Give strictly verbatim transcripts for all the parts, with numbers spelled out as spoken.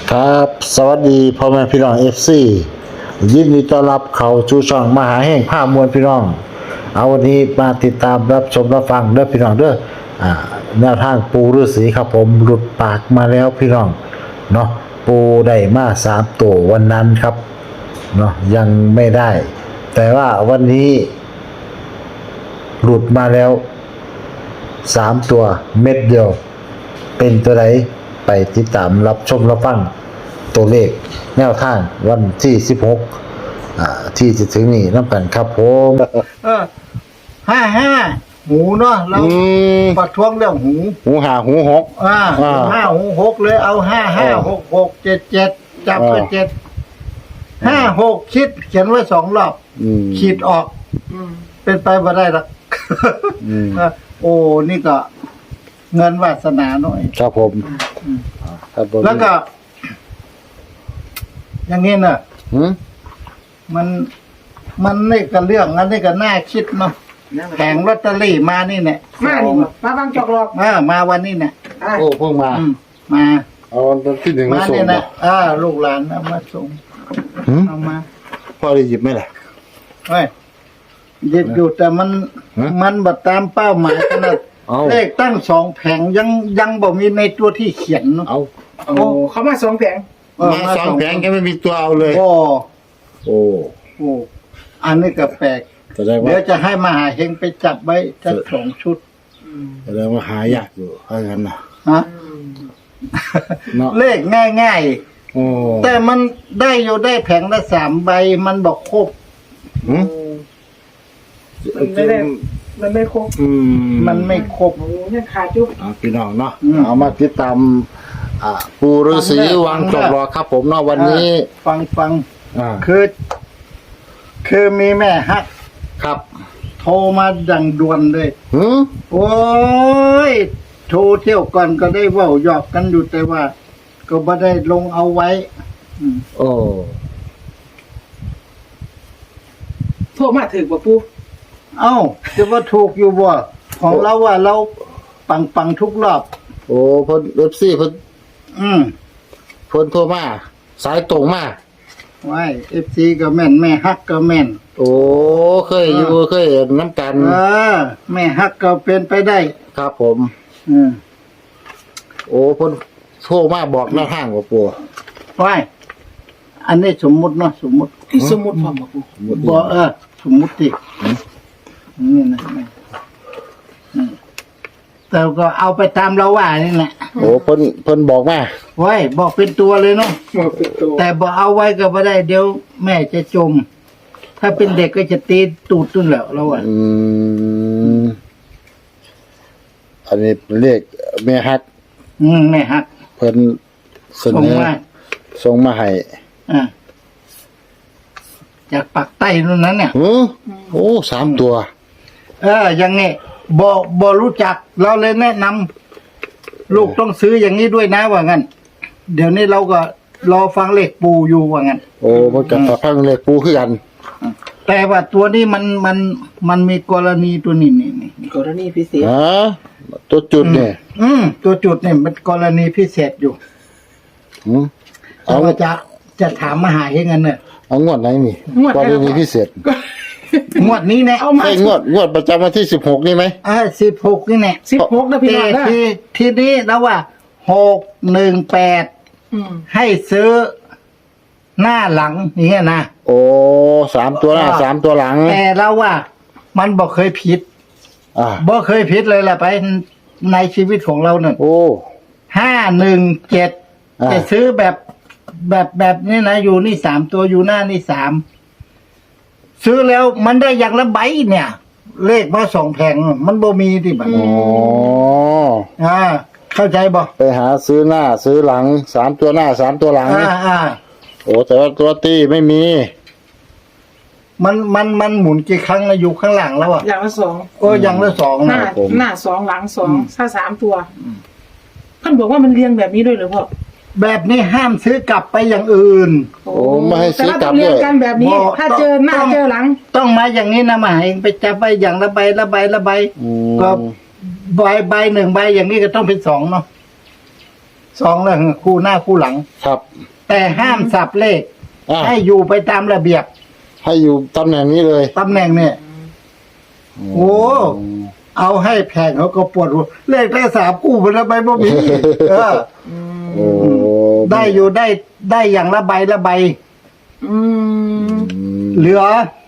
ครับสวัสดีพ่อแม่พี่น้องเอฟซียินดีต้อนรับเข้าสู่ช่องมหาแห่งภาพมวลพี่น้องเอาวันนี้มาติดตามรับชมรับฟังเด้อพี่น้องเด้ออ่าแนวทางปูฤาษีครับผมหลุดปากมาแล้วพี่น้องเนาะปูได้มาสามตัววันนั้นครับเนาะยังไม่ได้ แต่ว่าวันนี้หลุดมาแล้วสามตัวเม็ดเดียวเป็นตัวไหนไปติดตามรับชมรับฟังตัวเลขแนวทางวันที่สิบหกอ่าที่จะถึงนี้น้ำกันครับผมเออห้าห้าหูเนาะเราอืมประท้วงเรื่องหูหูหาหูหกอ่าอ่าห้าหูหกเลยเอาห้าห้าอ่าหกหกเจ็ดเจ็ดจับไปอ่าเจ็ดห้าหกคิดเขียนไว้สองรอบอืมขีดออกเป็นไปบ่ได้หรอกอืมเออโอ้นี่ก็ เงินวาสนาหน่อยครับผมครับผมแล้วก็ อย่างนี้เนอะหืมมันมันนี่ก็เรื่องอันนี้ก็น่าคิดเนาะแผงลอตเตอรี่มานี่เนี่ยมานี่บ่มาบางจอกหลอกเออมาวันนี้เนี่ยอ่ะโอ้เพิ่งมาอืมมาเอาวันที่หนึ่งมามาส่งเนี่ยเหรนะออ่าลูกหลานเอามาส่งหืมเอามาพ่อได้หยิบไหมล่ะเฮ้ยหยิบอยู่แต่มันฮะมันบัดตามเป้าหมายขนาดเอาเลขตั้งสองแผงยังยังบ่มีในตัวที่เขียนเนาะเอาโอ้เขามาสองแผงเออมาสองแผงแกไม่มีตัวเอาเลยโอ้โอ้โอ้อันนี้ก็แปลกแสดงว่าเดี๋ยวจะให้มหาเฮงไปจับไว้สักสองชุดแสดงว่าหายากอยู่ถ้างั้นนะฮะเนาะเลขง่ายโอ้ๆ แต่มันได้อยู่ได้แผงละสามใบมันบอกครบหืมมันไม่ได้มันไม่ครบอืมมันไม่ครบโอ้ยังขาดจุ๊บเอาพี่น้องเนาะอืมเอามาติดตามอ่าปูฤาษีวังจบรอครับผมเนาะวันนี้ฟังฟังอ่าคือ คือมีแม่ฮักครับโทรมาดังด่วนเลยหืมโอ้ย โทรเที่ยวก่อนก็ได้เว่าหยอกกันอยู่แต่ว่า ก็ไม่ได้ลงเอาไว้ อืมโอ้โทรมาถึงบ่ปูเอ้าจะว่าถูกอยู่บ่ของเราว่าเราปังปังทุกรอบโอ้เพิ่นเอฟซีเพิ่นอืมเพิ่นโทรมาสายตรงมาไว้เอฟซีก็แม่น แม่ฮักก็แม่นโอ้เคยอยู่เคยเห็นน้ำกันเออ แม่ฮักก็เป็นไปได้ครับผมอืมโอ้เพิ่นโทรมาบอกหน้าทางว่าปู่ไว้อันนี้สมมุติเนาะสมมุติสมมุติพร้อมบ่ปูบ่เออ สมมุตินี่นะอืมแต่ก็เอาไปตามเราว่านี่แหละโอ้เพิ่นเพิ่นบอกมาไว้บอกเป็นตัวเลยเนาะบ่เป็นตัวแต่บอกเอาไว้ก็ไม่ได้เดี๋ยวแม่จะจม ถ้าเป็นเด็กก็จะตีตูดตุ้นแหล้วเราอ่ะอืมอันนี้เลขแม่ฮักอืมแม่ฮักเพิ่นเสส่งนอมาส่งมาให้อ่าจากปากใต้นู่นนั้นเนี่ยหือโอ้สามตัวเอออย่างนี้บอบอรู้จัก เราเลยแนะนำลูกต้องซื้ออย่างนี้ด้วยนะว่างั้น เดี๋ยวนี้เราก็รอฟังเลขปูอยู่ว่างั้นโอ้มันกับพังเลขปูคือกันแต่ว่าตัวนี้มันมันมันมีกรณีตัวนี้นี่นี่กรณีพิเศษฮะตัวจุดเนี่ยอืมตัวจุดเนี่ยมันกรณีพิเศษอยู่หืมแต่เอาว่าจะจะถามมาหาเองกันเนี่ยเอางวดไหนนี่งวดกรณีพิเศษงวดนี้เนี่ยเอามาไอ้งวดงวดประจำวันที่สิบหกนี่ไหมอ่าสิบหกนี่เนี่ยสิบหกนะพี่น้แต่องนะที่ที่นี้แล้วว่าหกหนึ่งแปดอืมให้ซื้อหน้าหลังอย่างเงี้ยนะโอ้สามตัวหน้าสามตัวหลังแต่เราว่า มันบอกเคยผิดอ่าบอกเคยผิดเลยแหละไปในชีวิตของเราเนี่ยโอ้ห้าหนึ่งเจ็ดอ่าจะซื้อแบบแบบแบบนี้นะอยู่นี่สามตัวอยู่หน้านี่สามซื้อแล้วมันได้อย่างละใบเนี่ย เลขมาสองแผงมันบ่มีที่บัตรอ๋ออ่า เข้าใจบ่ไปหาซื้อหน้าซื้อหลังสามตัวหน้าสามตัวหลังอ่าอ่าโอ้แต่ว่าตัวตีไม่มีมันมันมันหมุนกี่ครั้งนะอยู่ข้างหลังแล้วอ่ะอย่างละสองก็อย่างละสองหน้านะหน้าสองหลังสองถ้าสามตัวท่านบอกว่ามันเรียงแบบนี้ด้วยเหรือพ่อแบบนี้ห้ามซื้อกลับไปอย่างอื่นโอ้โอ้ไม่ให้ซื้อกลับแต่ว่าต้องเรียงด้วยกันแบบนี้บอกถ้าเจอหน้าต้องเจอหลังต้องมาอย่างนี้นะมาเองไปจับไปอย่างละใบละใบละใบอืก็มใบใบหนึ่งใบอย่างนี้ก็ต้องเป็นสองเนาะสองแล้วคู่หน้าคู่หลังครับแต่ห้ามสับเลขอ่าให้อยู่ไปตามระเบียบให้อยู่ตำแหน่งนี้เลยตำแหน่งเนี่ย โอ้ เอาให้แพงเขาก็ปวดหัวเลขได้สามคู่มันทำไมบ่มีเออโอ้ได้อยู่ได้ได้อย่างละใบละใบอืมเหลือ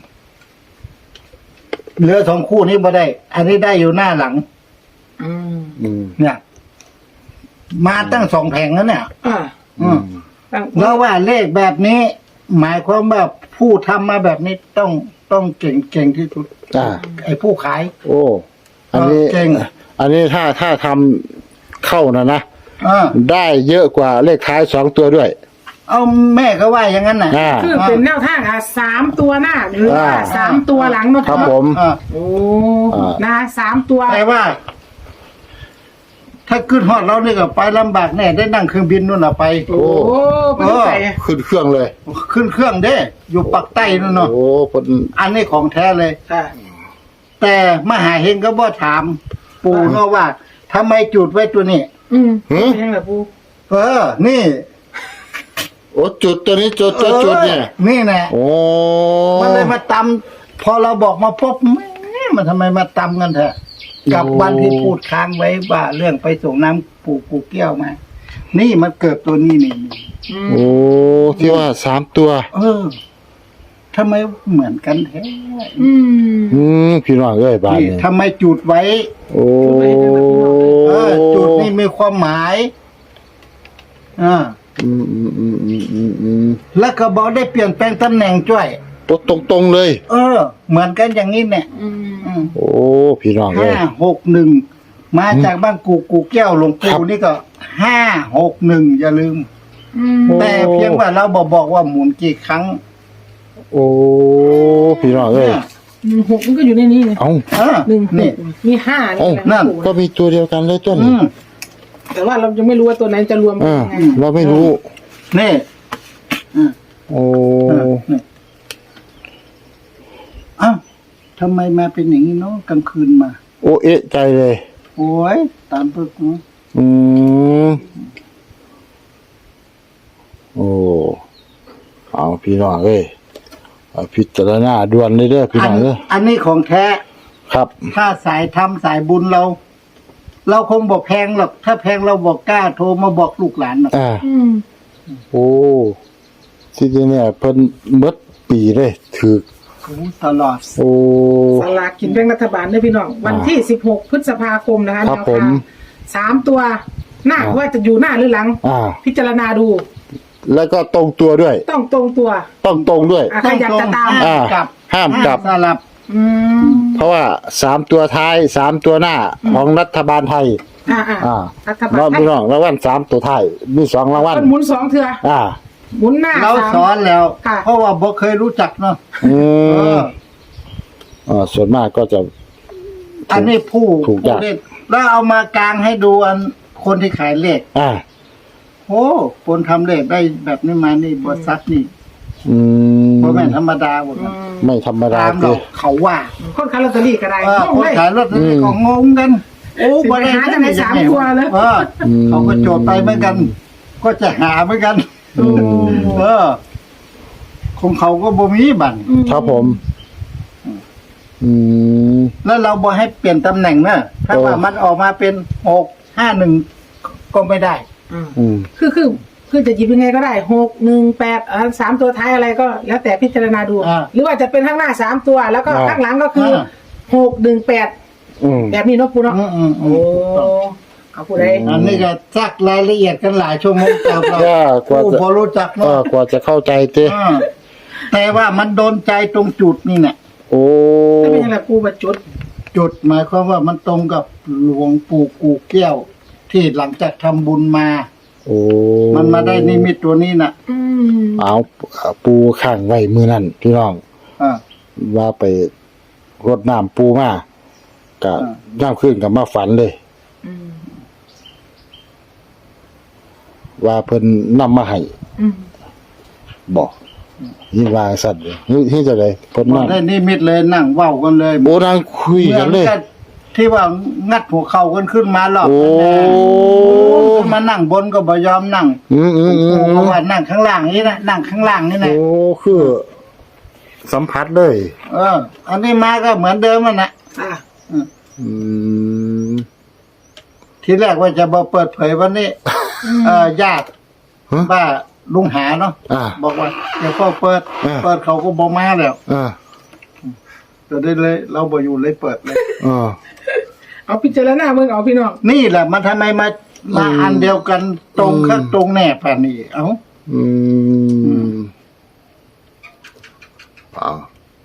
เหลือสองคู่นี้บ่ได้ อันนี้ได้อยู่หน้าหลังอืมอืมเนี่ย มาตั้งสองแผงแล้วเนี่ยอ่าอืมตั้งแล้วว่าเลขแบบนี้ หมายความว่าผู้ทำมาแบบนี้ต้องต้องเก่งเก่งที่สุดอ่าไอ้ผู้ขายโอ้ อันนี้เก่งอันนี้ถ้าถ้าทำเข้านะนะอ่าได้เยอะกว่าเลขท้ายสองตัวด้วยเอาแม่ก็ว่าอย่างนั้นน่ะอ่าคือเป็นแนวทางอ่ะสามตัวหน้าหรือว่าอ่าสามตัวหลังเนาะครับผมอ่าโอ้อ่านะสามตัวแต่ว่า ถ้าขึ้นฮอดเรานี่ก็ไปลำบากแน่ได้นั่งเครื่องบินนู่นน่ะไปโอ้เป็นใส่ขึ้นเครื่องเลยขึ้นเครื่องเด้ อยู่ปักใต้นู่นเนาะโอ้เพิ่นอันนี้ของแท้เลยค่ะแต่มหาเฮงก็บ่ถาม ปู่เนาะว่าทำไมจุดไว้ตัวนี้อืมหือเป็นยังไงปูเออ นี่โอ้จุดตัวนี้จุดจุดจุดเนี่ยออนี่แน่โอ้มันเลยมาตำพอเราบอกมาพบแม่มันทำไมมาตำกันเถอะกับวันที่พูดค้างไว้ว่าเรื่องไปส่งน้ำปู่กูเกี้ยวมา นี่มันเกิดตัวนี้นี่อืมโอ้ที่ว่าสามตัวเออทำไมเหมือนกันแท้อืมอืมพี่น้องเอ้ยบ้านนี่นี้ทำไมจุดไว้โอ้เออ จุดนี่มีความหมายอ่าอืมอืมอืมอืมอืมอืมแล้วก็บอกได้เปลี่ยนแปลงตำแหน่งจ้วยตรงตรงตรงๆเลยเออ เหมือนกันอย่างนี้เนี่ยอืมอืมโอ้พี่น้องเอ้ห้าย หกหนึ่งมาจากบ้านกูกูแก้วหลวงครัปู่บนี่ก็ห้าหกหนึ่งอย่าลืมอืมโอ้แต่เพียงว่าเราบอกบอกว่าหมุนกี่ครั้งโอ้พี่น้องเอ้ยเนี่ยหนึ่งหกมันก็อยู่ในนี้ไงเอ้าเออหนึ่งหนี่กมีห้าเอ้านี่นั่นปู่ก็มีตัวเดียวกันเลยต้นอืมแต่ว่าเรายังไม่รู้ว่าตัวไหนจะรวมกัอ่านยังไงเราไม่รู้นี่อืมโอ้เออนี่อ้าวทำไมมาเป็นอย่างนี้เนาะกลางคืนมาโอ้เอะใจเลยโอ้ยตามปึกเนาะอืมโอ้เอาพี่น้องเอ้ยเอาพิจารณาด่วนเลยเด้อพี่อัน้องเด้ออันนี้ของแท้ครับถ้าสายทำสายบุญเรา เราคงบอกแพงหรอก ถ้าแพงเราบอกกล้าโทรมาบอกลูกหลานหรอกอ่าอืมโอ้ที่จริงเนี่ยเพิ่นหมดปีเลยถือโอ้ตลอดโอ้สลากกินแบ่งรัฐบาลเด้อพี่น้อง วันที่สิบหกพฤษภาคมนะคะครับแนวผทาม งสามตัว หน้าอ่าว่าจะอยู่หน้าหรือหลังอ่าพิจารณาดูแล้วก็ตรงตัวด้วยต้องตรงตัวต้องตรงด้วยอ่ะใครอยากจะตามห้ามกลับห้ามกลับสลับอืมเพราะว่าสามตัวท้ายสามตัวหน้าของรัฐบาลไทยอ่าอ่าอ่ารัฐบาลเราไทพี่ยน้องรางวัลสามตัวท้ายมีสองรางวัลมันหมุนสองเถื่ออ่าหมุนหน้าเราสามสอนแล้วค่ะเพราะว่าบ่เคยรู้จักเนาะอืเอมออ่าส่วนมากก็จะอันนี้ผู้ถูกผู้ยากเล่นแล้วเอามากลางให้ดูอันคนที่ขายเลขอ่าโอ้คนทำเลขได้แบบนี้มานี่บริษัทนี่อืมบ่แม่นธรรมดาหมดอืนะมไม่ธรรมดาตามเลเรายเขาว่าคนขายลอตเตอรี่ก็ได้เออต้องคนเลยขายรถอืมก็งงกัน โอ้สิไปหาจากไหนสามตัวเลยเออเขาก็โจทย์ไปเหมือนกัน ก็จะหาเหมือนกันโอ้เออของเขาก็บ่มีบัตรครับผม อืมแล้วเราบ่ให้เปลี่ยนตำแหน่งนะถ้าโอ้ว่ามันออกมาเป็นหกห้าหนึ่งก็ไม่ได้อืมอืมคือคือคือจะหยิบยังไงก็ได้หกหนึ่งแปดอ่าสามตัวท้ายอะไรก็ แล้วแต่พิจารณาดูอ่าหรือว่าจะเป็นข้างหน้าสามตัว แล้วก็อ่าข้างหลังก็คือหกหนึ่งแปดอืมแบบนี้เนาะปูเนาะอืมอืมอืโอ้มเอาปูได้อันนี้ก็ซักรายละเอียดกันหลายชั่วโมงกับเราก็กว่าผู้จะพอรู้จักเอเนาะอกว่าจะเข้าใจเต้อ่าแต่ว่ามันโดนใจตรงจุดนี่เนี่ยโอ้ถ้าเป็นยังไงปูมาจุดจุดหมายความว่ามันตรงกับหลวงปู่กูแก้ว ที่หลังจากทำบุญมาโอ้มันมาได้นิมิตตัวนี้น่ะอืมเอาปูข้างไว้มือนั่นพี่น้องอ่าว่าไปรดน้ำปูมาก็อ่าย่ามขึ้นกับมาฝันเลยอืมว่าเพิ่นนำมาให้อืมบอกยิ่งวางสัตว์เลยนี่ที่จะเลยเพิ่นพอนั่งได้นิมิตเลยนั่งเว้ากันเลยโอ้นางคุยกันเลยหมือที่ว่างัดหัวเข่ากันขึ้นมารอบโอ้ขึ้นมานั่งบนก็บ่ยอมนั่งอืมอืมอืมเพราะว่านั่งข้างล่างนี่นะนั่งข้างล่างนี่นะโอ้คือ สัมผัสเลยเออ อันนี้มาก็เหมือนเดิมมันนะอ่ะอืมทีแรกว่าจะบอกเปิดเผยวันนี้ เออญาติฮะว่าลุงหาเนาะอ่าบอกว่าเดี๋ยวพ่อเปิดอ่าเปิดเขาก็บอกมาแล้วอ่าจะได้เลย เราบ่อยู่เลยเปิดเลยอ่าเอาพิจารณาเมืองเอาพี่น้องนี่แหละมันทำไมมามาอืมอันเดียวกันตรงข้างตรงแน่ป่านนี้เอ้าอืมอ่า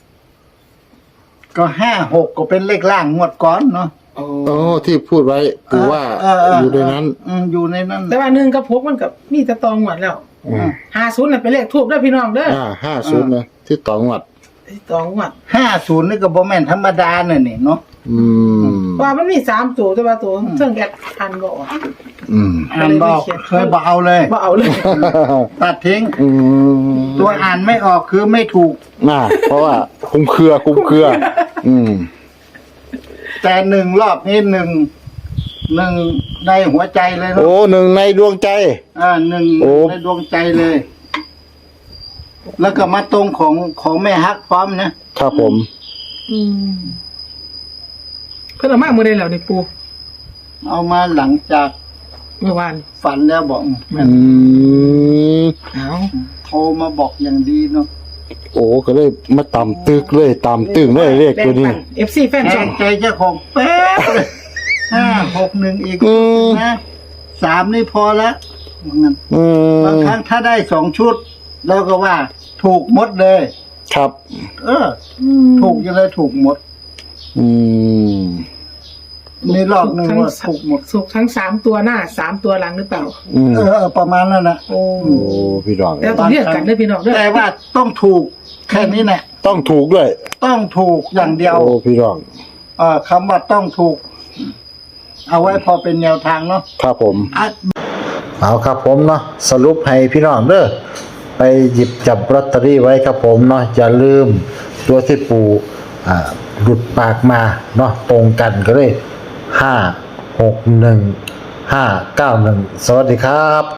ก็ห้าหกก็เป็นเลขล่างงวดก่อนเนาะโอ้ที่พูดไว้ปู่ว่าเเอยู่ในนั้นอืมอยู่ในนั้นแต่ว่าหนึ่งกับพกมันกับมีแตะตองหวดแล้วอืมห้าศูนย์น่ะเป็นเลขทูบเด้อพี่น้องเด้ออ่าห้าศูนย์นะที่ต่องวัดตองหวดห้าศูนย์นี่ก็บ่แม่นธรรมดาน่ะนี่เนาะอืมว่ามันมีสามตัวแต่ว่าตัวเครื่องแกะอันบอกอืมอ่านบอกเคยบอกเอาเลยว่าเอาเลยตัดทิ้งอืมตัวอ่านไม่ออกคือไม่ถูกน่าเพราะว่าคุ้มเครือคุ้มเครือ อืมแต่หนึ่งรอบนี้หนึ่งหนึ่งในหัวใจเลยเนาะโอ้หนึ่งในดวงใจอ่าหนึ่งโอ้ในดวงใจเลย แล้วก็มาตรงของของแม่ฮักพร้อมนะครับผมอืมเพิ่นเอามาเมื่อใดแล้วนี่ปูเอามาหลังจากเมื่อวานฝันแล้วบอกอืมเอาโทรมาบอกอย่างดีเนาะโอ้ก็เลยมาตำตึกเลยตำตึงเลยเลขตัวนี้เอฟซีแฟนแทช่องงใจเจ้าของแป๊บเลยห้าหกหนึ่งอีกอืมนะสามนี่พอแล้วว่างั้นอืมบางครั้งถ้าได้สองชุด แล้วก็ว่า ถูกหมดเลยครับเออ ถูกยังไงถูกหมดอืมมีรอบหนึ่งว่าถูกหมดสุกทั้งสามตัวหน้าสามตัวหลังหรือเปล่าอืมเออเออประมาณนั้นนะโอ้โอ้พี่ดองแล้วต้องเรียกกันเด้อพี่น้องเด้อแต่ว่าต้องถูกแค่นี้แหละต้องถูกด้วยต้องถูกอย่างเดียวโอ้พี่ดองเออคำว่าต้องถูก เอาไว้พอเป็นแนวทางเนาะครับผมอ่ะเอาครับผมเนาะสรุปให้พี่น้องเด้อไปหยิบจับลอตเตอรี่ไว้ครับผมเนาะอย่าลืมตัวที่ปู่อ่าหลุดปากมาเนาะตรงกันก็เลยห้าหกหนึ่งห้าเก้าหนึ่งสวัสดีครับ